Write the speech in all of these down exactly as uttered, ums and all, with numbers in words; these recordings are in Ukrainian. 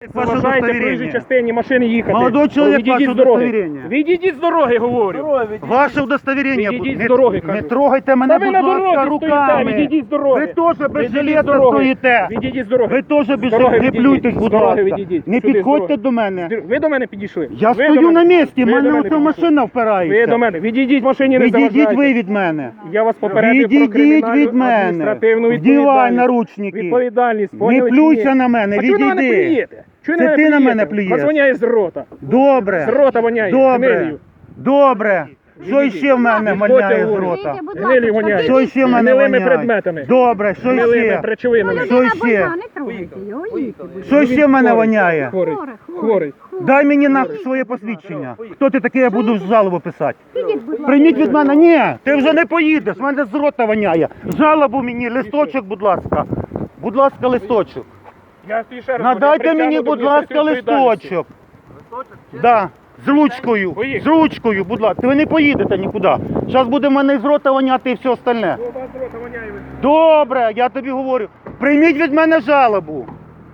Ваше Заважаєте проїжджій удостоверение. частині машини їхати. Молодой человек, Відійдіть ваше з дороги. удостоверение. Відійдіть з дороги, говорю. Ваше удостоверение. Відійдіть Не- з дороги, Не кажу. трогайте мене, Та ви будь на ласка, дорозі руками. стоїте, відійдіть з дороги. Ви теж без Відійдіть з жилета дороги. стоїте. Відійдіть з дороги. Ви теж без З дороги жилета. Не відійдіть. плюйтесь, З будь дороги ласка. відійдіть. Не Сюди, з підходьте дороги. до мене. Ви до мене підійшли. Я Ви стою до на мене. місці, в Ви до мене мене ось підійшли. машина Ви впирається. до мене. Відійдіть, машині не Відійдіть заважайте. ви від мене. Я вас попередив про Відійдіть кримінальну від мене. адміністративну Вдівай відповідальність. наручники. Відповідальність, Не поняли чи плюйся ні? на мене, А чого ви на мене відійди. плюєте? Чого Це ви ти на мене плюєте? плюєш. Вас воняє з рота. Добре. З рота воняє. Добре. гнилью. Добре. Що Відійдіть. ще в мене Відходьте, воняє з говорю. рота? Гнилі воняє. Що ще в мене Гнилими воняє? предметами. Добре, що Гнилими ще? речовинами. Що ще? Не трогайте його, їдьте, будь Що ще в мене воняє? Хворий. Хворий, Хворий. Дай мені на своє посвідчення. Хто ти такий, я буду жалобу писати. Підіть, будь ласка. Прийміть від мене. Ні, ти вже не поїдеш, в мене з рота воняє. Жалобу мені, листочок, будь ласка. Будь ласка, листочок. Я тобі ще раз Надайте говорю, мені, притягну будь до ласка, адміністративної листочок. Да. З ручкою, з Поїхали. ручкою, будь ласка. Ви не поїдете нікуди. Зараз буде в мене з рота воняти і все остальне. відповідальності. У вас з рота воняє. Добре, я тобі говорю. Прийміть від мене жалобу.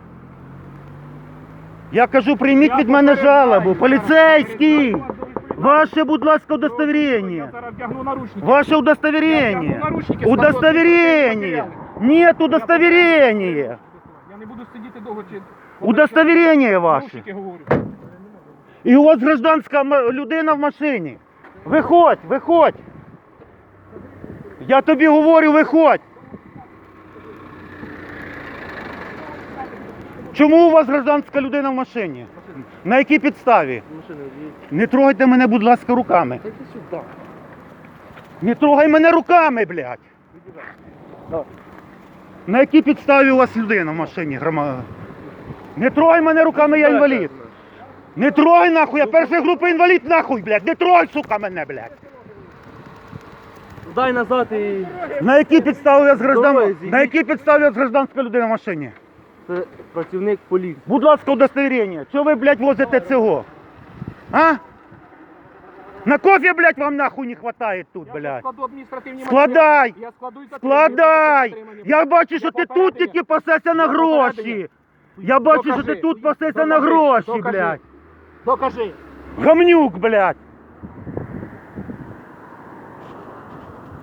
Я кажу, прийміть від мене жалобу. Поліцейський! Ваше, будь ласка, Я удостоверение. зараз вдягну наручники. Ваше Я удостоверение. вдягну наручники, складу Удостоверение. адміністративні Нет удостоверения. Я не буду сидіти довго чи... Удостоверение ваше. Наручники говорю. І у вас гражданська м- людина в машині. Виходь, виходь. Я тобі говорю, виходь. Чому у вас гражданська людина в машині? На якій підставі? Не трогайте мене, будь ласка, руками. Не трогай мене руками, блядь. На якій підставі у вас людина в машині, грома? Не трогай мене руками, я інвалід. Не трогай нахуй, я першої групи інвалід нахуй, блядь. Не трогай, сука, мене, блядь. Дай назад і... На якій підставі у вас граждан... Давай, зійдіть. На якій підставі у вас гражданська людина в машині? Це працівник поліції. Будь ласка, удостоверення. Чого ви, блядь, возите цього? А? На кофе, блядь, вам нахуй не хватає тут, Я блядь. складу адміністративні Складай! матеріали. Я складу і затримую. Складай! Затримання. Я бачу, що Я ти тут попередження. тільки пасешся на Я гроші. попередження. Я бачу, що Докажи. ти тут пасешся на Докажи. гроші, Докажи. блядь. Докажи. Гамнюк, блядь.